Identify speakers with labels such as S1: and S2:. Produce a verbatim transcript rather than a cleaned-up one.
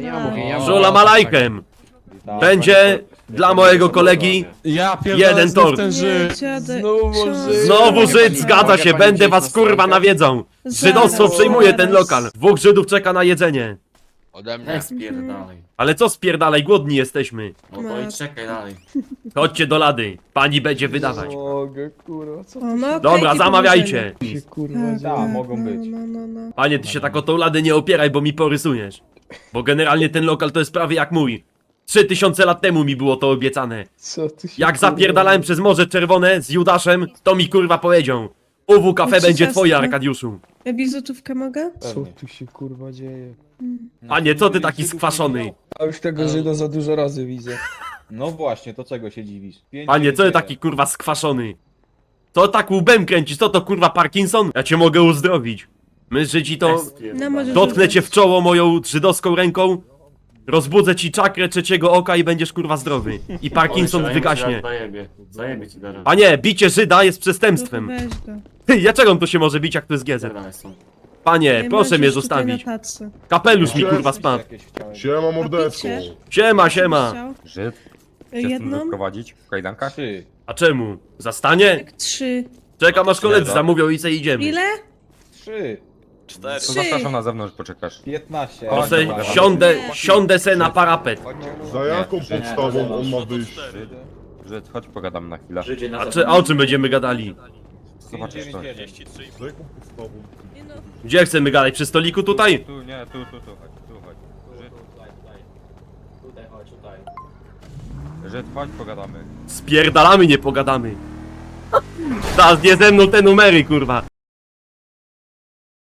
S1: ja mówię, ja mówię.
S2: Żula malajkiem. Będzie dla mojego kolegi
S3: Ja pierdolę,
S2: jeden
S3: znów
S2: tort.
S3: ten Żyd.
S4: Dziadek,
S3: Znowu
S4: ksiądz.
S3: Żyd.
S2: Znowu Żyd, zgadza
S1: Mogę
S2: się,
S1: pani
S2: będę
S1: wziąć
S2: was
S1: na
S2: kurwa
S1: stronkę?
S2: nawiedzą. Żydostwo
S4: Zaraz,
S2: przejmuje ten
S4: zaraz.
S2: lokal. Dwóch Żydów czeka na jedzenie.
S5: Ode mnie.
S1: Nie spierdalaj.
S2: Ale co spierdalaj, głodni jesteśmy.
S1: No to i czekaj dalej.
S2: Chodźcie do lady, pani będzie wydawać.
S3: Mogę, kurwa, co
S4: O, no,
S2: Dobra,
S4: okejki
S2: zamawiajcie.
S3: tu się kurwa
S4: Tak,
S3: dzieje?
S4: tak,
S5: mogą
S4: no,
S5: być.
S4: No, no, no.
S2: Panie, ty się tak o tą ladę nie opieraj, bo mi porysujesz. Bo generalnie ten lokal to jest prawie jak mój. Trzy tysiące lat temu mi było to obiecane.
S3: Co tu się
S2: Jak
S3: kurwa
S2: zapierdalałem przez Morze Czerwone z Judaszem, to mi kurwa powiedział. U W kafe
S4: Trzy
S2: będzie
S4: ciastka.
S2: twoje, Arkadiuszu.
S4: Ja bizutówkę mogę?
S3: Co tu się kurwa dzieje?
S2: Panie, co ty taki skwaszony?
S3: A już tego Żyda za dużo razy widzę.
S5: No właśnie, to czego się dziwisz? Pięć
S2: Panie, co ty
S5: dziewięć
S2: taki kurwa skwaszony? Co tak łbem kręcisz? Co to kurwa Parkinson? Ja cię mogę uzdrowić. My Żydzi to...
S4: No, możesz
S2: Dotknę
S4: rzucać.
S2: cię w czoło moją żydowską ręką, rozbudzę ci czakrę trzeciego oka i będziesz kurwa zdrowy. I Parkinson wygaśnie.
S1: Zajebie, zajebie ci teraz.
S2: A nie, bicie Żyda jest
S4: No to
S2: przestępstwem.
S4: weź go.
S2: Ty, dlaczego on to się może bić, jak to jest gezer?
S1: Pierdalaj stąd.
S2: Panie,
S4: Ja
S2: proszę
S4: mam
S2: mnie
S4: coś tutaj
S2: zostawić.
S4: na tacy.
S2: Kapelusz mi
S6: Cześć.
S2: kurwa spadł.
S5: jakieś chciałem.
S6: Siema mordeczko.
S4: picie?
S2: Siema, siema.
S4: Chciał?
S7: Żyd? Chcesz tu
S4: Jedną?
S7: doprowadzić w kajdankach?
S5: Trzy.
S2: A czemu? Zastanie?
S4: Tak, trzy.
S2: Czekam aż koledzy
S7: Siedem.
S2: zamówią i se idziemy.
S4: Ile?
S5: Trzy.
S7: To
S4: Trzy.
S7: zapraszam na zewnątrz, poczekasz.
S5: Piętnaście.
S2: To
S7: Chodź,
S2: se
S7: dobra,
S2: siądę,
S4: dobra.
S2: siądę se na parapet.
S6: Za jaką
S7: Nie,
S6: podstawą on ma wyjść?
S7: Żyd, Żyd, chodź pogadam na chwilę.
S1: Żydzie na
S2: A, czy, a o czym będziemy gadali?
S7: Zobaczysz to.
S6: Za jaką podstawą?
S4: Nie no.
S2: Gdzie chcemy gadać? Przy stoliku tutaj?
S7: Tu, nie, tu, tu, tu, chodź, tu, chodź. Żyd,
S1: Tutaj chodź, tutaj.
S7: Żyd, chodź pogadamy.
S2: Spierdalamy, nie pogadamy. Teraz nie ze mną te numery, kurwa.